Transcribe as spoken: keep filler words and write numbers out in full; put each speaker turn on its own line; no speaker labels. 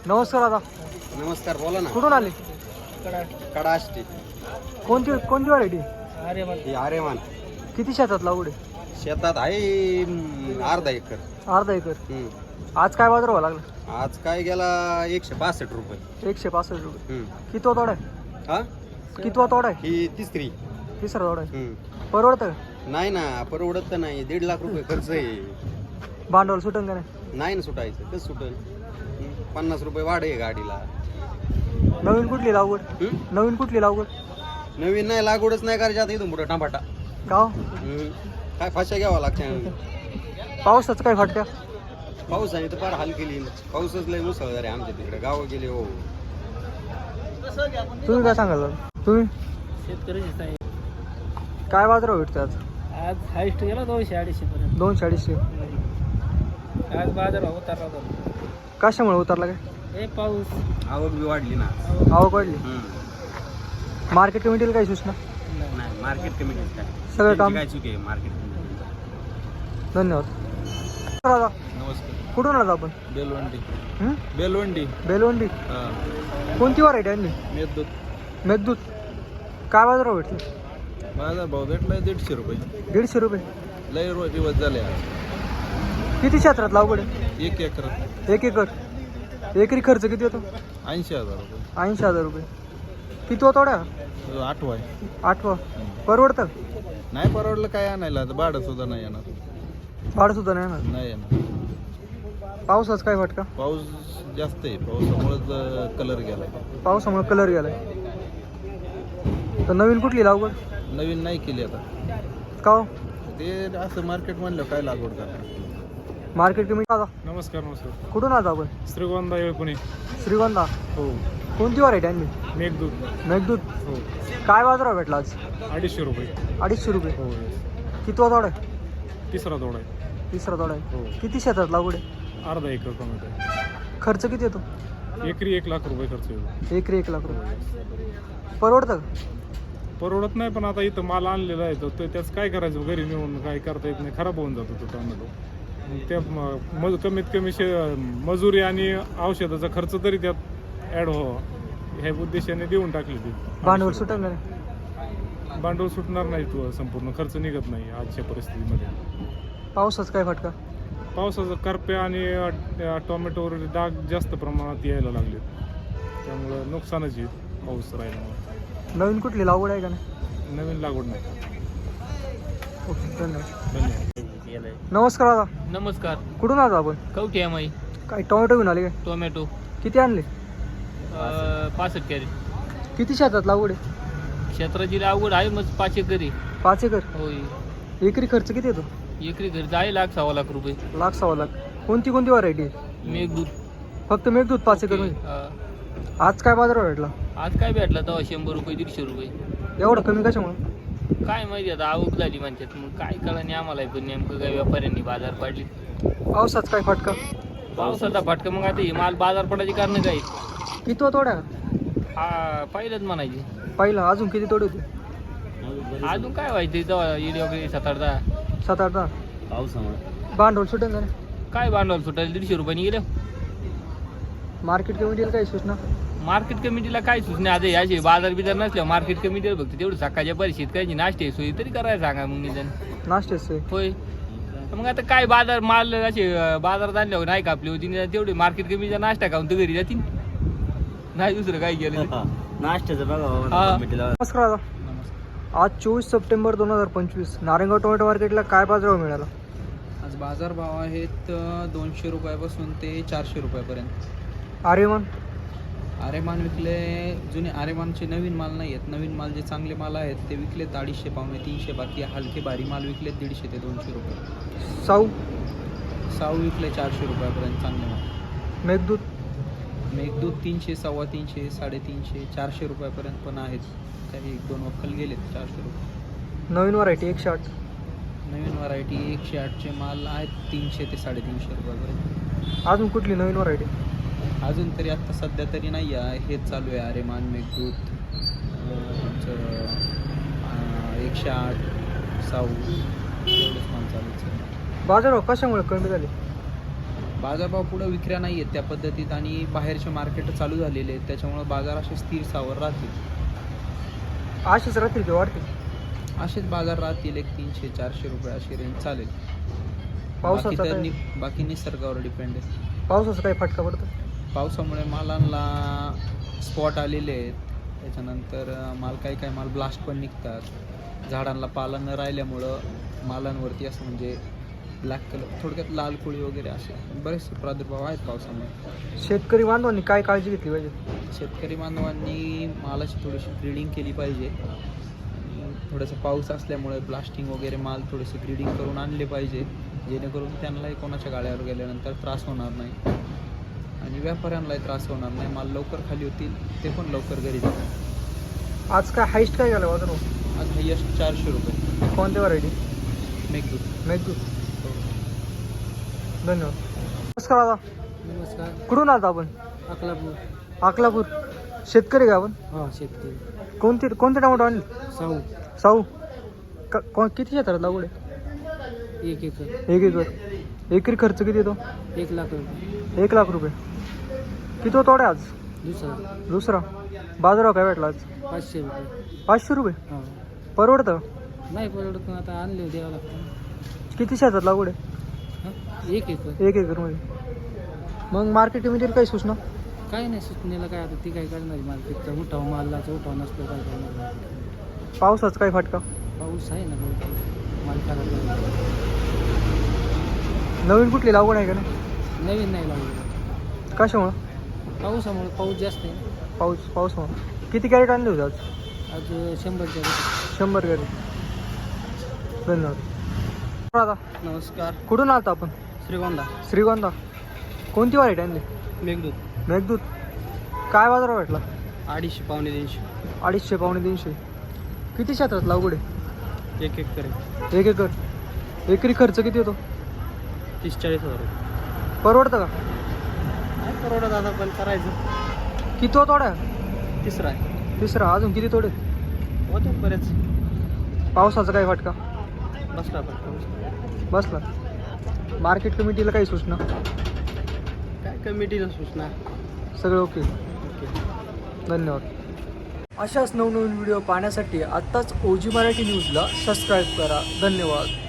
नमस्कार दादा.
नमस्कार, बोला ना.
कुठून आले?
कडा असते.
कोणती कोणती व्हरायटी?
ही आरेमान.
किती शेतात लागवड आहे?
शेतात आहे हम्म, अर्धा एकर.
अर्धा एकर.
हम्म.
आज काय बाजार व्हावं लागला?
आज काय गेला एकशे बासष्ट रुपये.
एकशे पासष्ट रुपये.
हम्म.
कितवा तोडा आहे?
हा
कितवा तोडा आहे?
ही तिसरी.
तिसरा तोडा आहे.
हम्म.
परवडतं?
नाही ना, परवडत तर नाही. दीड लाख रुपये खर्च आहे.
भांडवल सुटन का नाही?
नाही ना सुटायचं. कसं सुटल? हम्म. पन्नास रुपये वाढ आहे गाडीला.
नवीन कुठली लागवड?
हम्म?
नवीन कुठली लागवड?
नवीन नाही, लागवडच नाही करायची आता इथून पुढं टमाटा.
का हो?
हम्म. काय फाशा घ्यावा लागते.
पावसाचं काय फटका?
पावसाने तर फार हाल केली. पाऊसच लय मुसळधार आहे आमच्या तिकडे. गावं गेले हो.
तुम्ही काय सांगाल दादा? तुम्ही
शेतकरी
काय बाजार भेटतो आज?
आज हायस्ट गेला दोनशे अडीचशे पर्यंत.
दोनशे अडीचशे.
आज बाजार भाव उतरला होता.
कशामुळे उतरला काय?
हे पाऊस
आवक बी वाढली ना.
आवक वाढली.
हम्म.
मार्केट कमिटीला काही सूचना?
नाही, मार्केट कमिटी काय
सगळं काम.
काय चुकी आहे मार्केट कमिटी.
धन्यवाद दादा.
नमस्कार.
कुठून आला आपण?
बेलवंडी.
हं?
बेलवंडी.
बेलवंडी. कोणती व्हरायटी आणली?
मेदूत.
मेघदूत. काय बाजार भेटले?
माझा भाव भेटलाय दीडशे रुपये.
दीडशे रुपये.
लय रोज दिवस झाले आज.
किती क्षेत्रात लागवड आहे?
एक एकर
एक एकर. एकरी खर्च किती होतो?
ऐंशी हजार रुपये.
ऐंशी हजार रुपये. किती होतो तोड्या?
आठवा आहे.
आठवा. परवडतं?
नाही परवडलं काय आणायला, आता भाडं सुद्धा नाही येणार.
भाडं सुद्धा नाही ना.
नाही येणार.
पावसाच काय फटका?
पाऊस जास्त आहे, पावसामुळेच कलर गेला.
पावसामुळे कलर गेलाय. तर नवीन कुठली लागवड?
नवीन नाही केली आता.
का हो?
ते असं मार्केट म्हणलं काय लागवड करणार.
मार्केट कमिटी दादा.
नमस्कार नमस्कार.
कुठून आला आपण?
श्रीगोंदा येळपुणे.
श्रीगोंदा.
हो.
कोणती व्हरायटी आणली?
मेघदूत.
मेघदूत.
हो.
काय बाजार भेटला आज?
अडीचशे रुपये.
अडीचशे रुपये.
हो.
कितवा तोडा आहे?
तिसरा तोडा आहे.
तिसरा तोडा आहे.
हो.
किती शेतात लागवड आहे?
अर्धा एकर टोमॅटो.
खर्च किती येतो?
एकरी एक लाख रुपये खर्च येतो.
एकरी एक लाख रुपये. परवडतं का?
परवडत नाही, पण आता इथं माल आणलेला आहे तर ते- त्याचं काय करायचं, घरी नेऊन काय करता येत नाही, खराब होऊन जातो तो टोमॅटो. मग त्या म- मज कमीत कमी शे मजुरी आणि औषधाचा खर्च तरी त्यात ॲड व्हावा ह्या उद्देशाने देऊन टाकली ती.
भांडवल सुटेल का नाही?
भांडवल सुटणार नाही, तो संपूर्ण खर्च निघत नाही आजच्या परिस्थितीमध्ये.
पावसाच काय फटका?
पावसाचा करप्या आणि अ, टोमॅटोवर डाग जास्त प्रमाणात यायला लागले, त्यामुळं नुकसानच येईल पाऊस राहिल्यामुळे.
नवीन कुठली लागवड आहे का नाही?
नवीन लागवड नाही.
ओके, धन्यवाद.
धन्यवाद.
नमस्कार दादा.
नमस्कार.
कुठून आला आपण?
कवठी एम आय
काय टोमॅटो घेऊन आले काय?
टोमॅटो
किती आणले?
पासष्ट कॅरी.
किती शेतात लागवड आहे?
क्षेत्राची लागवड आहे मग पाच एकरी.
पाच एकर.
होय.
एकरी खर्च किती येतो?
एकरी खर्च आहे लाख सव्वा लाख रुपये.
लाख सव्वा लाख. कोणती कोणती व्हरायटी आहे?
मेघदूत.
फक्त मेघदूत पाच एकर मध्ये.
हा.
आज काय बाजार भेटला?
आज काय भेटला तेव्हा शंभर रुपये दीडशे रुपये.
एवढं कमी कशामुळे?
काय माहिती आता आवक झाली म्हणतात, मग काय कळलं नाही आम्हाला पण नेमकं काय व्यापाऱ्यांनी बाजार पाडली.
पावसाच काय फटका?
पावसाचा फटका. मग आता हे माल बाजार पडायची कारण काय?
किती तोड्या?
हा पहिलंच म्हणायची.
पहिला. अजून किती तोडे होते?
अजून काय व्हायचं तेव्हा इडी वगैरे सात आठ दहा.
सात आठ दहा.
पावसामुळे
भांडवल सुटेल का नाही?
काय भांडवल सुटायला दीडशे रुपयाने गेलं.
मार्केट कमिटीला काही सूचना?
मार्केट कमिटीला काय सूचना? आता याचे बाजार बिजार नसल्यावर मार्केट कमिटीला बघते तेवढं सकाळच्या परिस्थितीत काही नाश्ते सोयी तरी करायला सांगा मग निदान.
नाश्तेच सोय.
होय. मग आता काय बाजार माल असे बाजारात आणल्यावर नाही कापली होती निदान तेवढे मार्केट कमिटीचा नाश्ता खाऊन तर घरी जातील, नाही दुसरं काय केलं.
नाश्त्याचं
हा.
नमस्कार दादा. आज चोवीस सप्टेंबर दोन हजार पंचवीस नारायणगाव टोमॅटो मार्केटला काय बाजार मिळाला?
आज बाजारभाव आहेत दोनशे रुपयापासून ते चारशे रुपयापर्यंत.
आर्यमान.
आरेमान विकले, जुने आरेमानचे नवीन माल नाही आहेत. नवीन माल जे चांगले माल आहेत ते विकलेत अडीचशे पावणे तीनशे. बाकी हलके भारी माल विकलेत दीडशे ते दोनशे रुपये.
साऊ.
साऊ विकले चारशे रुपयापर्यंत चांगले माल.
मेघदूत.
मेघदूत तीनशे सव्वा तीनशे साडेतीनशे चारशे रुपयापर्यंत पण आहेत. काही एक दोन वक्कल गेलेत चारशे रुपये.
नवीन व्हरायटी एकशे आठ.
नवीन व्हरायटी एकशे आठचे माल आहेत तीनशे ते साडेतीनशे रुपयापर्यंत.
अजून कुठली नवीन व्हरायटी?
अजून तरी आत्ता सध्या तरी नाही आहे, हेच चालू आहे. आरेमान, मेघदूत, तुमचं एकशे आठ, साऊ एवढंच माल चालूच आहे.
बाजारभाव कशामुळे कमी झाले?
बाजारभाव पुढे विक्र्या नाही आहेत त्या पद्धतीत आणि बाहेरचे मार्केट चालू झालेले आहेत, त्याच्यामुळं बाजार असे स्थिर सावर राहतील.
असेच राहतील की वाढतील?
असेच बाजार राहतील, एक तीनशे चारशे रुपये अशी रेंज चालेल. बाकी
पावसाचा
तर
काय
नि- बाकी निसर्गावर डिपेंड आहे.
पावसाचा काही फटका पडतो?
पावसामुळे मालांना स्पॉट आलेले आहेत, त्याच्यानंतर माल काही काही माल ब्लास्ट पण निघतात. झाडांना पाला न राहिल्यामुळं मालांवरती असं म्हणजे ब्लॅक कलर, थोडक्यात लाल कोळी वगैरे असे बरेचसे प्रादुर्भाव आहेत पावसामुळे.
शेतकरी बांधवांनी काय काळजी घेतली पाहिजे?
शेतकरी बांधवांनी मालाची थोडीशी ग्रीडिंग केली पाहिजे. थोडंसं पाऊस असल्यामुळे ब्लास्टिंग वगैरे माल थोडेसे ग्रीडिंग करून आणले पाहिजे, जेणेकरून त्यांनाही कोणाच्या गाड्यावर गेल्यानंतर त्रास होणार नाही आणि व्यापाऱ्यांनाही त्रास होणार नाही. माल लवकर खाली होतील, ते पण लवकर घरी जातात.
आज काय हाईस्ट काय झालं बाजार?
आज हायस्ट चारशे रुपये
कोणत्या व्हरायटी?
मेघदूत.
मेघदूत. धन्यवाद. नमस्कार दादा,
नमस्कार.
कुठून आलात आपण?
अकलापूर.
अकलापूर. शेतकरी का आपण?
हा, शेतकरी.
कोणती कोणते टमाटो आणले?
साऊ.
साऊ. का कोण किती क्षेत्रात लागवड आहे?
एक एकर.
एक एकर. एकरी खर्च किती येतो?
एक लाख रुपये.
एक लाख रुपये. किती होतो तोडे आज?
दुसरा
दुसरा. बाजारावर काय भेटला आज?
पाचशे रुपये.
पाचशे रुपये.
हा.
परवडतं?
नाही परवडत, पण आता आणले द्यावं लागतं.
किती शेतात लागवड आहे?
हा? एक एकर.
एक एकरमध्ये. मग मार्केटमध्ये काही सूचना?
काय नाही सुचनेला, काय आता ती काय करणार मार्केटचा उठाव, मालाचा उठाव नसतो काय करणार.
पावसाचा काय फटका?
पाऊस आहे ना बहुतेक, माल खराब झाला.
नवीन कुठली लागवड आहे का नाही?
नवीन नाही लागलं
कशामुळं?
पावसामुळे. पाऊस जास्त आहे.
पाऊस पाऊसमुळं. किती कॅरेट आणले होते आज?
आज शंभरच्या वर.
शंभर कॅरेट. धन्यवाद. दादा,
नमस्कार.
कुठून आलता आपण?
श्रीगोंदा.
श्रीगोंदा. कोणती व्हरायटी आणली?
मेघदूत.
मेघदूत. काय बाजार भेटला?
अडीचशे पावणे तीनशे.
अडीचशे पावणे तीनशे. किती क्षेत्रात लागवड आहे?
एक एकर.
एक एकर. एकरी खर्च किती होतो?
तीस चाळीस हजार.
परवडतं का?
काय परवडत आता, पण करायचं.
किती तोड्या?
तिसरा आहे.
तिसरा. अजून किती तोडे?
होते बरेच.
पावसाचा काय फटका?
बसला पण
बसला. मार्केट कमिटीला काही सूचना?
काय कमिटीला सूचना.
सगळं ओके. धन्यवाद. अशाच नवनवीन व्हिडिओ पाहण्यासाठी आत्ताच ओजी मराठी न्यूजला सबस्क्राईब करा. धन्यवाद.